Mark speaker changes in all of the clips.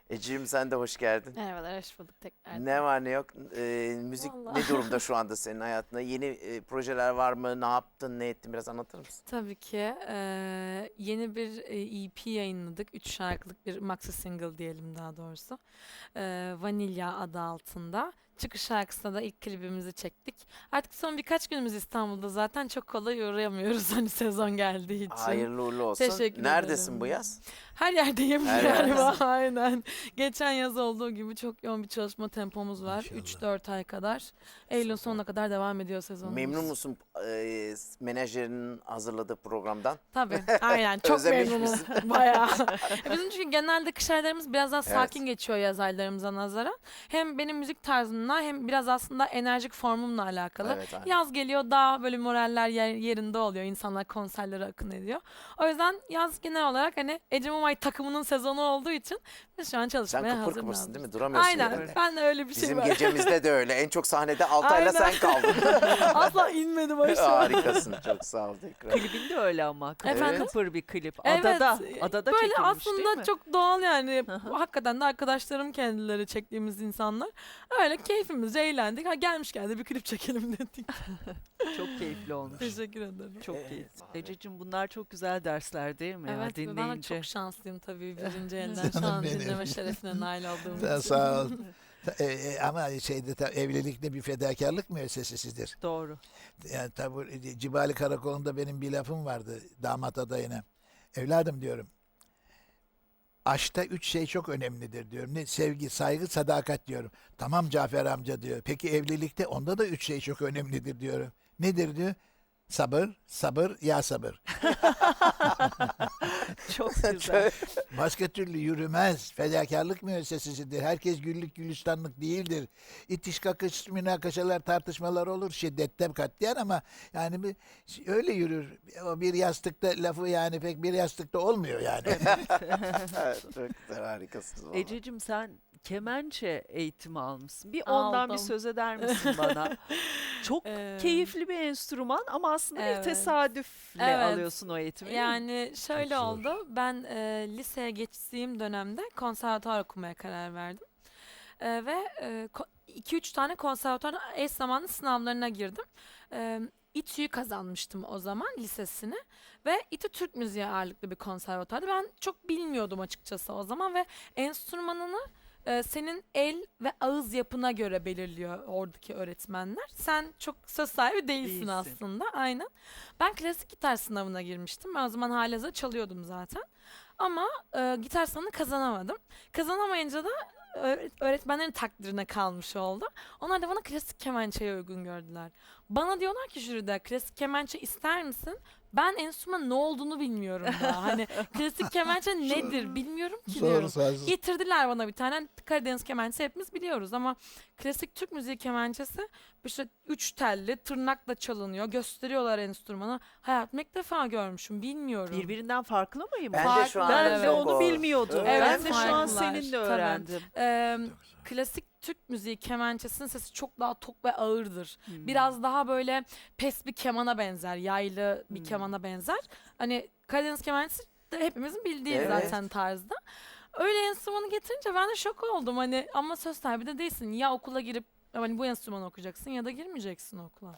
Speaker 1: Ecim sen de hoş geldin.
Speaker 2: Merhabalar, hoş bulduk tekrar.
Speaker 1: Ne var ne yok? Müzik
Speaker 2: Vallahi.
Speaker 1: ne durumda şu anda senin hayatında? Yeni projeler var mı? Ne yaptın, ne ettin? Biraz anlatır mısın?
Speaker 2: Tabii ki yeni bir EP yayınladık. 3 şarkılık bir maxi single diyelim daha doğrusu. Vanilya adı altında. Çıkış şarkısında da ilk klibimizi çektik. Artık son birkaç günümüz İstanbul'da zaten çok kolay uğrayamıyoruz hani sezon geldiği için.
Speaker 1: Hayırlı uğurlu olsun.
Speaker 2: Teşekkür
Speaker 1: Neredesin
Speaker 2: ederim.
Speaker 1: bu yaz?
Speaker 2: Her yerdeyim
Speaker 1: Her
Speaker 2: galiba
Speaker 1: yerdesin.
Speaker 2: aynen. Geçen yaz olduğu gibi çok yoğun bir çalışma tempomuz var.
Speaker 3: İnşallah.
Speaker 2: 3-4 ay kadar. Eylül sonuna kadar devam ediyor sezonumuz.
Speaker 1: Memnun musun menajerinin hazırladığı programdan?
Speaker 2: Tabii aynen çok
Speaker 1: Özlemiş
Speaker 2: memnunum
Speaker 1: misin?
Speaker 2: bayağı. Bizim çünkü genelde kış aylarımız biraz daha sakin
Speaker 1: Evet.
Speaker 2: geçiyor yaz aylarımıza nazaran. Hem benim müzik tarzımla hem biraz aslında enerjik formumla alakalı.
Speaker 1: Evet, aynen.
Speaker 2: Yaz geliyor daha böyle moraller yerinde oluyor. İnsanlar konserlere akın ediyor. O yüzden yaz genel olarak hani Ecem Umay takımının sezonu olduğu için biz şu an
Speaker 1: Sen
Speaker 2: çalışmaya
Speaker 1: kıpır
Speaker 2: hazır
Speaker 1: kıpırsın değil mi?
Speaker 2: mıyız?
Speaker 1: Duramıyorsun
Speaker 2: Aynen
Speaker 1: yerinde.
Speaker 2: ben de öyle bir şey
Speaker 1: Bizim
Speaker 2: var.
Speaker 1: gecemizde de öyle. En çok sahnede Altay'la
Speaker 2: Aynen.
Speaker 1: sen kaldın.
Speaker 2: Asla inmedim aşağı.
Speaker 1: Harikasın. Çok sağ ol tekrar.
Speaker 4: Klibinde öyle ama.
Speaker 2: Efendim?
Speaker 4: Kıpır bir klip.
Speaker 2: Evet,
Speaker 4: Adada
Speaker 2: böyle
Speaker 4: çekilmiş
Speaker 2: aslında
Speaker 4: değil mi?
Speaker 2: çok doğal yani.
Speaker 4: Hı hı.
Speaker 2: Hakikaten de arkadaşlarım kendileri çektiğimiz insanlar. Öyle keyfimizce eğlendik. Ha gelmişken de bir klip çekelim dedik.
Speaker 4: Çok keyifli olmuş.
Speaker 2: Teşekkür ederim.
Speaker 4: Çok keyifli. Ececiğim bunlar çok güzel dersler değil mi ya
Speaker 2: Evet ve ben de
Speaker 4: dinleyince?
Speaker 2: çok şanslıyım tabii birinci elden şu
Speaker 3: Canım
Speaker 2: an
Speaker 3: benim.
Speaker 2: dinleme şerefine nail olduğum
Speaker 3: Sağ,
Speaker 2: için.
Speaker 3: sağ ol. Ama evlilikte bir fedakarlık müessesesidir.
Speaker 4: Doğru.
Speaker 3: Yani tabi Cibali Karakolu'nda benim bir lafım vardı damat adayına. Evladım diyorum. Aşkta 3 şey çok önemlidir diyorum. Ne? Sevgi, saygı, sadakat diyorum. Tamam Cafer amca diyor. Peki evlilikte onda da 3 şey çok önemlidir diyorum. Nedir diyor? Sabır, sabır, ya sabır.
Speaker 4: Çok güzel.
Speaker 3: Başka türlü yürümez. Fedakarlık müessesesidir. Herkes güllük gülistanlık değildir. İtiş kakış, münakaşalar, tartışmalar olur. Şiddetten katliyen ama yani öyle yürür. O bir yastıkta lafı yani pek bir yastıkta olmuyor yani.
Speaker 1: Çok güzel, harikasınız. vallahi.
Speaker 4: Ececiğim sen kemençe eğitimi almışsın. Bir ondan bir
Speaker 2: Aldım.
Speaker 4: söz eder misin bana? Çok keyifli bir enstrüman ama aslında bir
Speaker 2: Evet.
Speaker 4: tesadüfle
Speaker 2: Evet.
Speaker 4: alıyorsun o eğitimi. değil mi?
Speaker 2: Yani şöyle
Speaker 3: zor.
Speaker 2: oldu. Ben liseye geçtiğim dönemde konservatuvar okumaya karar verdim. Ve 2-3 tane konservatuvar eş zamanlı sınavlarına girdim. İTÜ'yü kazanmıştım o zaman lisesini ve İTÜ Türk Müziği ağırlıklı bir konservatuvardı. Ben çok bilmiyordum açıkçası o zaman ve enstrümanını senin el ve ağız yapına göre belirliyor oradaki öğretmenler. Sen çok söz sahibi değilsin
Speaker 4: Değilsin.
Speaker 2: aslında. Aynen. Ben klasik gitar sınavına girmiştim. Ben o zaman halihazırda çalıyordum zaten. Ama gitar sınavını kazanamadım. Kazanamayınca da öğretmenlerin takdirine kalmış oldu. Onlar da bana klasik kemençeye uygun gördüler. Bana diyorlar ki jüride klasik kemençe ister misin? Ben enstrüman ne olduğunu bilmiyorum daha. Hani klasik kemençe nedir bilmiyorum ki diyorum.
Speaker 3: Sağ
Speaker 2: Getirdiler bana bir tane Karadeniz kemençesi hepimiz biliyoruz ama klasik Türk müziği kemençesi işte 3 telli tırnakla çalınıyor. Gösteriyorlar enstrümanı. Hayatımda ilk defa görmüşüm bilmiyorum.
Speaker 4: Birbirinden farklı mıyım?
Speaker 1: Ben de şu an
Speaker 4: Ben
Speaker 2: Evet.
Speaker 4: de onu bilmiyordum.
Speaker 1: Evet.
Speaker 4: Ben de şu an
Speaker 2: Farklılar.
Speaker 4: seninle
Speaker 2: Tabii.
Speaker 4: öğrendim.
Speaker 2: Klasik Türk müziği kemençesinin sesi çok daha tok ve ağırdır.
Speaker 4: Hmm.
Speaker 2: Biraz daha böyle pes bir kemana benzer, yaylı bir
Speaker 4: Hmm.
Speaker 2: kemana benzer. Hani Karadeniz kemençesi de hepimizin bildiği
Speaker 1: Evet.
Speaker 2: zaten tarzda. Öyle enstrümanı getirince ben de şok oldum hani ama söz sahibi de değilsin. Ya okula girip hani bu enstrümanı okuyacaksın ya da girmeyeceksin okula.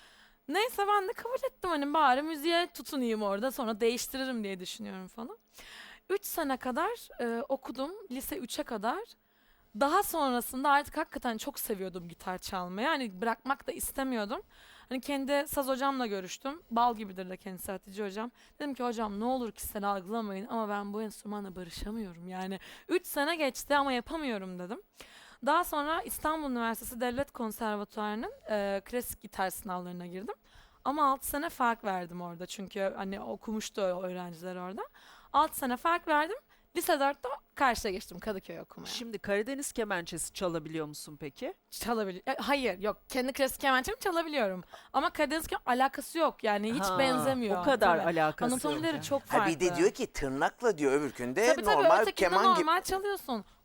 Speaker 2: Neyse ben de kabul ettim hani bari müziğe tutunayım orada sonra değiştiririm diye düşünüyorum falan. 3 sene kadar okudum lise 3'e kadar. Daha sonrasında artık hakikaten çok seviyordum gitar çalmayı. Yani bırakmak da istemiyordum. Hani kendi saz hocamla görüştüm. Bal gibidir de kendisi Hatice hocam. Dedim ki hocam ne olur kişisel algılamayın ama ben bu enstrümanla barışamıyorum. Yani 3 sene geçti ama yapamıyorum dedim. Daha sonra İstanbul Üniversitesi Devlet Konservatuvarı'nın klasik gitar sınavlarına girdim. Ama 6 sene fark verdim orada çünkü hani okumuştu o öğrenciler orada. 6 sene fark verdim. Lise 4'te karşıya geçtim Kadıköy okumaya.
Speaker 4: Şimdi Karadeniz kemençesi çalabiliyor musun peki?
Speaker 2: Hayır yok kendi klasik kemençemi çalabiliyorum. Ama Karadeniz alakası yok yani hiç
Speaker 4: Ha,
Speaker 2: benzemiyor.
Speaker 4: O kadar
Speaker 2: Tabii.
Speaker 4: alakası yok.
Speaker 2: Anatomileri
Speaker 4: yani.
Speaker 2: çok
Speaker 1: Ha
Speaker 2: farklı.
Speaker 1: bir de diyor ki tırnakla diyor öbürkünde
Speaker 2: Tabii
Speaker 1: normal
Speaker 2: ötekinde
Speaker 1: keman gibi.
Speaker 2: normal çalıyorsun.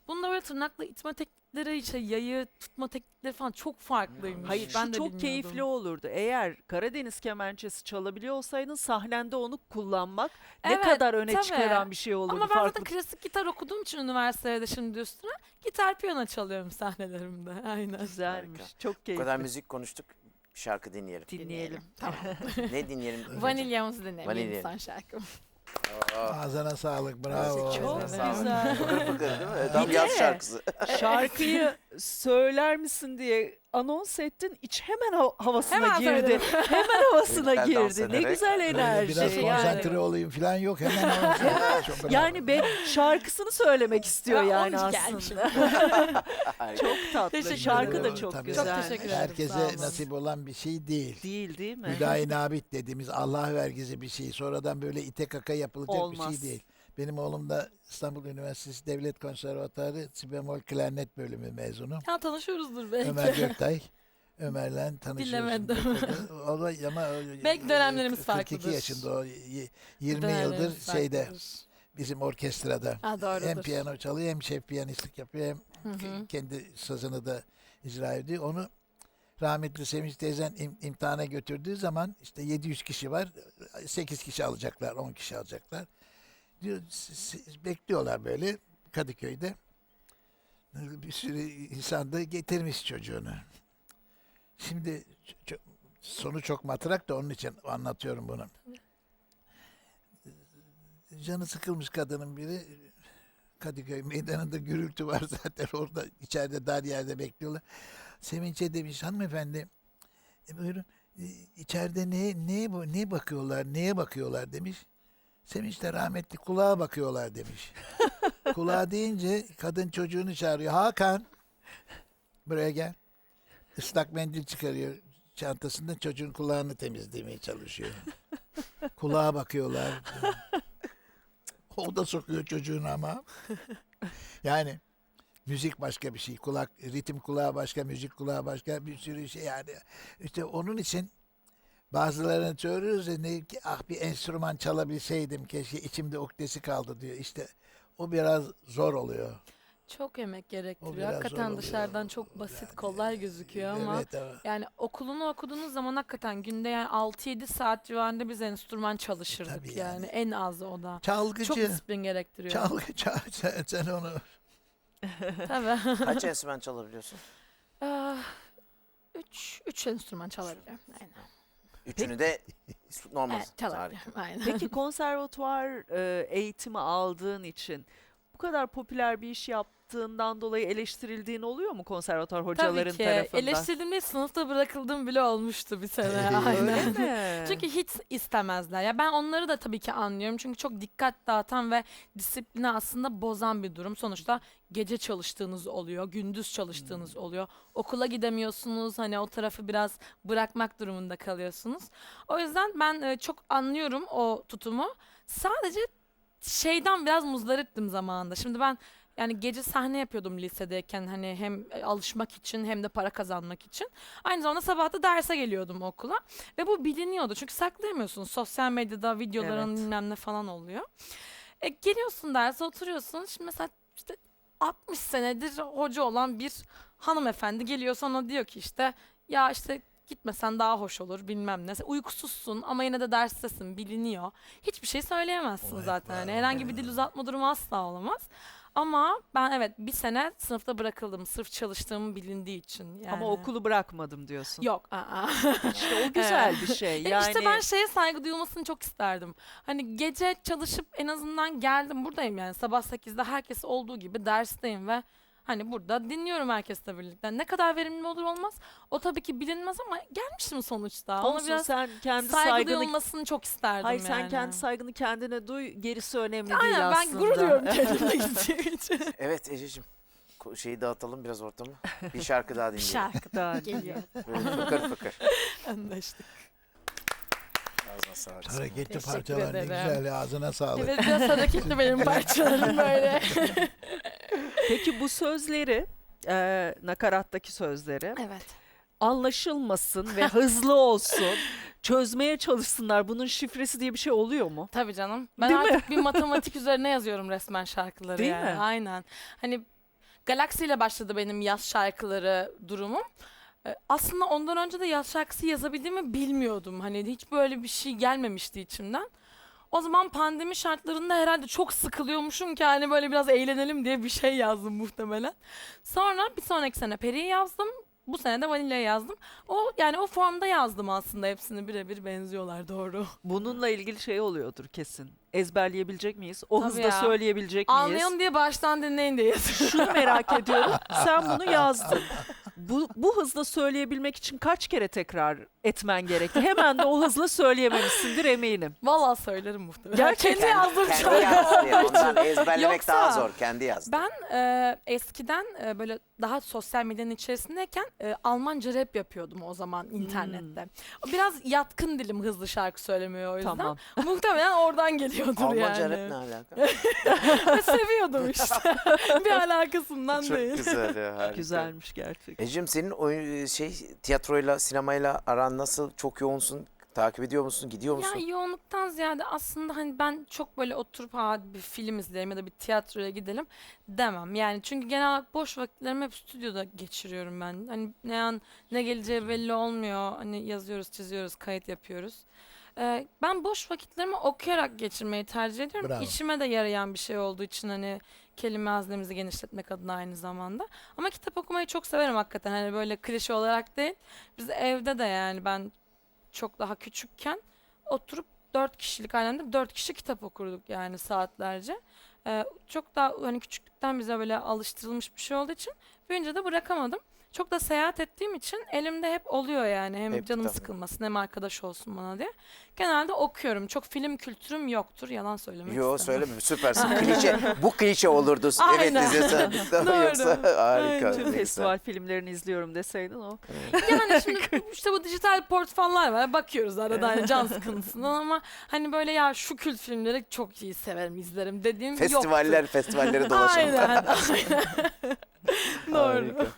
Speaker 2: Bunda böyle tırnakla itme teknikleri, işte yayı tutma teknikleri falan çok farklıymış.
Speaker 4: Hayır,
Speaker 2: ben
Speaker 4: şu
Speaker 2: de
Speaker 4: çok
Speaker 2: bilmiyordum.
Speaker 4: keyifli olurdu. Eğer Karadeniz kemençesi çalabiliyor olsaydın sahnende onu kullanmak ne
Speaker 2: Evet,
Speaker 4: kadar öne
Speaker 2: tabii.
Speaker 4: çıkaran bir şey olurdu.
Speaker 2: Ama ben zaten
Speaker 4: farklı.
Speaker 2: klasik gitar okuduğum için üniversitede şimdi üstüne gitar piyano çalıyorum sahnelerimde. Aynen.
Speaker 4: Güzelmiş.
Speaker 1: Harika.
Speaker 4: Çok
Speaker 1: Bu
Speaker 4: keyifli.
Speaker 1: kadar müzik konuştuk. Bir şarkı dinleyelim.
Speaker 4: Dinleyelim.
Speaker 2: Tamam.
Speaker 1: Ne dinleyelim?
Speaker 2: Vanilyamızı dinleyelim.
Speaker 1: Vanilya.
Speaker 2: Yeni son şarkım.
Speaker 3: Ağzına sağlık, bravo.
Speaker 4: Çok
Speaker 1: Sağ olun.
Speaker 4: güzel.
Speaker 1: Fıkır fıkır değil mi? Tam
Speaker 4: Bir
Speaker 1: yaz
Speaker 4: de-
Speaker 1: şarkısı.
Speaker 4: Şarkıyı söyler misin diye anons ettin. İç hemen havasına
Speaker 2: Hemen
Speaker 4: girdi.
Speaker 2: söyledim.
Speaker 4: Hemen havasına
Speaker 1: Güzel dans
Speaker 4: girdi. Ne
Speaker 1: ederek.
Speaker 4: güzel
Speaker 3: Böyle
Speaker 4: enerji.
Speaker 3: biraz konsantre
Speaker 4: Yani.
Speaker 3: olayım falan yok. Hemen olsun. Çok bravo.
Speaker 4: Yani şarkısını söylemek istiyor
Speaker 2: Ben
Speaker 4: yani
Speaker 2: onun için gelmişim.
Speaker 4: aslında.
Speaker 1: Harika.
Speaker 4: Çok tatlı.
Speaker 2: Teşekkür
Speaker 4: Şarkı da
Speaker 3: ederim.
Speaker 4: çok
Speaker 3: Tabii.
Speaker 4: güzel.
Speaker 2: Çok teşekkür ederim. Sağ
Speaker 3: Herkese
Speaker 2: olun.
Speaker 3: nasip olan bir şey değil.
Speaker 4: Değil mi?
Speaker 3: Hüdayi nabit dediğimiz Allah vergisi bir şey. Sonradan böyle ite kaka yapılacak bir
Speaker 4: Olmaz.
Speaker 3: şey değil. Benim oğlum da İstanbul Üniversitesi Devlet Konservatuarı Si bemol klarnet bölümü mezunu.
Speaker 2: Ya tanışıyoruzdur belki.
Speaker 3: Ömer Göktay. Ömer'le tanışıyorsun.
Speaker 2: Bilemedim.
Speaker 3: O da ama
Speaker 2: Belki dönemlerimiz
Speaker 3: 42
Speaker 2: farklıdır.
Speaker 3: yaşında o 20
Speaker 2: Dönemlerimiz
Speaker 3: yıldır şeyde
Speaker 2: farklıdır.
Speaker 3: bizim orkestrada.
Speaker 2: Ha, doğrudur.
Speaker 3: Hem piyano çalıyor hem şef piyanistlik yapıyor hem
Speaker 2: Hı hı.
Speaker 3: kendi sazını da icra ediyor. Onu rahmetli Sevinç teyzen imtihana götürdüğü zaman işte 700 kişi var. 8 kişi alacaklar, 10 kişi alacaklar. Diyor, bekliyorlar böyle Kadıköy'de. Bir sürü insan da getirmiş çocuğunu. Şimdi sonu çok matrak da onun için anlatıyorum bunu. Canı sıkılmış kadının biri. Kadıköy meydanında gürültü var zaten orada içeride dar yerde bekliyorlar. Sevinç'e demiş hanımefendi buyurun içeride ne bakıyorlar neye bakıyorlar demiş. Sevinç de rahmetli kulağa bakıyorlar demiş. Kulağa deyince kadın çocuğunu çağırıyor. Hakan buraya gel. Islak mendil çıkarıyor çantasından çocuğun kulağını temizlemeye çalışıyor. Kulağa bakıyorlar. O da sokuyor çocuğunu ama. Yani müzik başka bir şey. Ritim kulağı başka, müzik kulağı başka bir sürü şey yani. İşte onun için bazılarını söylüyoruz ya bir enstrüman çalabilseydim keşke içimde uktesi kaldı diyor. İşte o biraz zor oluyor.
Speaker 2: Çok emek
Speaker 3: O
Speaker 2: gerektiriyor.
Speaker 3: biraz zor
Speaker 2: Hakikaten
Speaker 3: oluyor.
Speaker 2: dışarıdan çok basit, kolay gözüküyor ama
Speaker 3: Evet, evet.
Speaker 2: yani okulunu okuduğunuz zaman hakikaten günde yani 6-7 saat civarında biz enstrüman çalışırdık
Speaker 3: Tabii
Speaker 2: yani.
Speaker 3: yani.
Speaker 2: En az o da. Çok
Speaker 3: Çalgıcı.
Speaker 2: disiplin gerektiriyor.
Speaker 3: Sen onu
Speaker 2: Tabii.
Speaker 1: Kaç enstrüman çalabiliyorsun?
Speaker 2: Üç enstrüman çalabiliyorum. Aynen.
Speaker 1: Üçünü de normal.
Speaker 2: Evet, çalabiliyorum. Aynen.
Speaker 4: Peki konservatuvar eğitimi aldığın için bu kadar popüler bir iş yaptığından dolayı eleştirildiğin oluyor mu konservatuvar hocaların
Speaker 2: Tabii ki.
Speaker 4: tarafından?
Speaker 2: Eleştirilmeyi sınıfta bırakıldığım bile olmuştu bir sene.
Speaker 3: Öyle
Speaker 2: Aynen.
Speaker 4: mi?
Speaker 2: Çünkü hiç istemezler. Ya ben onları da tabii ki anlıyorum. Çünkü çok dikkat dağıtan ve disiplini aslında bozan bir durum. Sonuçta gece çalıştığınız oluyor, gündüz çalıştığınız oluyor. Okula gidemiyorsunuz. Hani o tarafı biraz bırakmak durumunda kalıyorsunuz. O yüzden ben çok anlıyorum o tutumu. Sadece şeyden biraz muzdariptim zamanında. Şimdi ben yani gece sahne yapıyordum lisedeyken hani hem alışmak için hem de para kazanmak için. Aynı zamanda sabah da derse geliyordum okula. Ve bu biliniyordu çünkü saklayamıyorsunuz. Sosyal medyada videoların
Speaker 4: Evet.
Speaker 2: bilmem ne falan oluyor. Geliyorsun derse oturuyorsun. Şimdi mesela işte 60 senedir hoca olan bir hanımefendi geliyor sana diyor ki işte ya işte gitmesen daha hoş olur bilmem ne. Sen uykusuzsun ama yine de derstesin biliniyor. Hiçbir şey söyleyemezsin
Speaker 3: Vay
Speaker 2: zaten.
Speaker 3: vay
Speaker 2: Hani
Speaker 3: vay.
Speaker 2: herhangi bir dil uzatma durumu asla olamaz. Ama ben evet bir sene sınıfta bırakıldım sırf çalıştığımı bilindiği için. Yani.
Speaker 4: Ama okulu bırakmadım diyorsun.
Speaker 2: Yok. Aa.
Speaker 4: İşte o güzel bir şey. Yani
Speaker 2: İşte ben şeye saygı duyulmasını çok isterdim. Hani gece çalışıp en azından geldim buradayım yani sabah 8'de herkes olduğu gibi dersteyim ve hani burada dinliyorum herkesle birlikte. Ne kadar verimli olur olmaz o tabii ki bilinmez ama gelmişim sonuçta. Ona
Speaker 4: olsun,
Speaker 2: biraz
Speaker 4: sen kendi
Speaker 2: saygı
Speaker 4: saygını
Speaker 2: duyulmasını çok isterdim
Speaker 4: Hayır
Speaker 2: yani.
Speaker 4: sen kendi saygını kendine duy, gerisi önemli değil
Speaker 2: Aynen ben
Speaker 4: aslında.
Speaker 2: gurur duyuyorum kendimle gittiğim için.
Speaker 1: Evet Ececiğim. Şeyi dağıtalım biraz ortamı. Bir şarkı daha
Speaker 2: Bir
Speaker 1: dinleyelim.
Speaker 2: şarkı
Speaker 4: Daha
Speaker 2: geliyor.
Speaker 1: Böyle fıkır fıkır.
Speaker 2: Anlaştık.
Speaker 1: Ağzına sağlık.
Speaker 3: hareketli
Speaker 2: Teşekkür
Speaker 3: parçalar ne
Speaker 2: ederim.
Speaker 3: güzel ağzına sağlık.
Speaker 2: Evet biraz hareketli benim parçalarım böyle.
Speaker 4: Peki bu sözleri, nakarattaki sözleri
Speaker 2: Evet.
Speaker 4: anlaşılmasın ve hızlı olsun, çözmeye çalışsınlar. Bunun şifresi diye bir şey oluyor mu?
Speaker 2: Tabii canım. Ben
Speaker 4: Değil mi?
Speaker 2: artık bir matematik üzerine yazıyorum resmen şarkıları
Speaker 4: Değil
Speaker 2: yani.
Speaker 4: mi?
Speaker 2: Aynen. Hani Galaxy ile başladı benim yaz şarkıları durumum. Aslında ondan önce de yaz şarkısı yazabildiğimi bilmiyordum. Hani hiç böyle bir şey gelmemişti içimden. O zaman pandemi şartlarında herhalde çok sıkılıyormuşum ki hani böyle biraz eğlenelim diye bir şey yazdım muhtemelen. Sonra bir sonraki sene Peri'yi yazdım. Bu sene de Vanilya'yı yazdım. Yani o formda yazdım aslında, hepsini birebir benziyorlar, doğru.
Speaker 4: Bununla ilgili şey oluyordur kesin. Ezberleyebilecek miyiz? O
Speaker 2: Tabii
Speaker 4: hızda
Speaker 2: ya.
Speaker 4: söyleyebilecek miyiz?
Speaker 2: Anlayalım diye baştan dinleyin diye yazıyorum.
Speaker 4: Şunu merak ediyorum. Sen bunu yazdın. Bu hızla söyleyebilmek için kaç kere tekrar etmen gerekti? Hemen de o hızla söyleyememişsindir eminim.
Speaker 2: Vallahi söylerim muhtemelen.
Speaker 4: Gerçekten.
Speaker 2: Kendi yazdığım
Speaker 1: Kendi
Speaker 2: şarkı
Speaker 1: yazdı
Speaker 2: olduğu
Speaker 1: ya.
Speaker 2: için.
Speaker 1: Ondan ezberlemek
Speaker 2: Yoksa-
Speaker 1: daha zor. Kendi yazdı.
Speaker 2: Ben eskiden böyle daha sosyal medyanın içerisindeyken Almanca rap yapıyordum o zaman internette. Biraz yatkın dilim hızlı şarkı söylemeye o yüzden.
Speaker 4: Tamam.
Speaker 2: Muhtemelen oradan geliyordur
Speaker 1: Almanca
Speaker 2: yani.
Speaker 1: rap ne alaka?
Speaker 2: Seviyordum işte. Bir alakasından
Speaker 1: Çok
Speaker 2: değil.
Speaker 1: güzel ya, harika.
Speaker 4: Güzelmiş gerçekten.
Speaker 1: Ecim, senin oyun, tiyatroyla, sinemayla aran nasıl? Çok yoğunsun. Takip ediyor musun? Gidiyor musun?
Speaker 2: Ya yoğunluktan ziyade aslında hani ben çok böyle oturup bir film izleyelim ya da bir tiyatroya gidelim demem. Yani çünkü genel olarak boş vakitlerimi hep stüdyoda geçiriyorum ben. Hani ne geleceği belli olmuyor. Hani yazıyoruz, çiziyoruz, kayıt yapıyoruz. Ben boş vakitlerimi okuyarak geçirmeyi tercih ediyorum.
Speaker 3: Bravo.
Speaker 2: İşime de yarayan bir şey olduğu için hani kelime haznemizi genişletmek adına aynı zamanda. Ama kitap okumayı çok severim hakikaten. Hani böyle klişe olarak değil. Biz evde de yani ben çok daha küçükken oturup 4 kişilik ailemde 4 kişi kitap okurduk yani saatlerce. Çok daha hani küçüklükten bize böyle alıştırılmış bir şey olduğu için büyünce de bırakamadım. Çok da seyahat ettiğim için elimde hep oluyor yani. Hem
Speaker 1: Hep
Speaker 2: canım
Speaker 1: kitap.
Speaker 2: sıkılmasın hem arkadaş olsun bana diye. Genelde okuyorum. Çok film kültürüm yoktur. Yalan söylemek
Speaker 1: Yo,
Speaker 2: istemem.
Speaker 1: söyleme, süpersin. Klişe, bu klişe olurdu. Evet,
Speaker 2: Aynen.
Speaker 1: izlesen.
Speaker 2: Doğru.
Speaker 1: Yoksa harika.
Speaker 2: Aynen.
Speaker 1: ne
Speaker 4: Tüm
Speaker 1: güzel.
Speaker 4: festival filmlerini izliyorum deseydin o.
Speaker 2: Yani şimdi işte bu dijital portfolyolar var. Bakıyoruz arada hani can sıkıntısından ama hani böyle ya şu kült filmleri çok iyi severim, izlerim dediğim yoktur.
Speaker 1: Festivalleri dolaşalım.
Speaker 2: Aynen. Aynen. Doğru.
Speaker 1: Harika.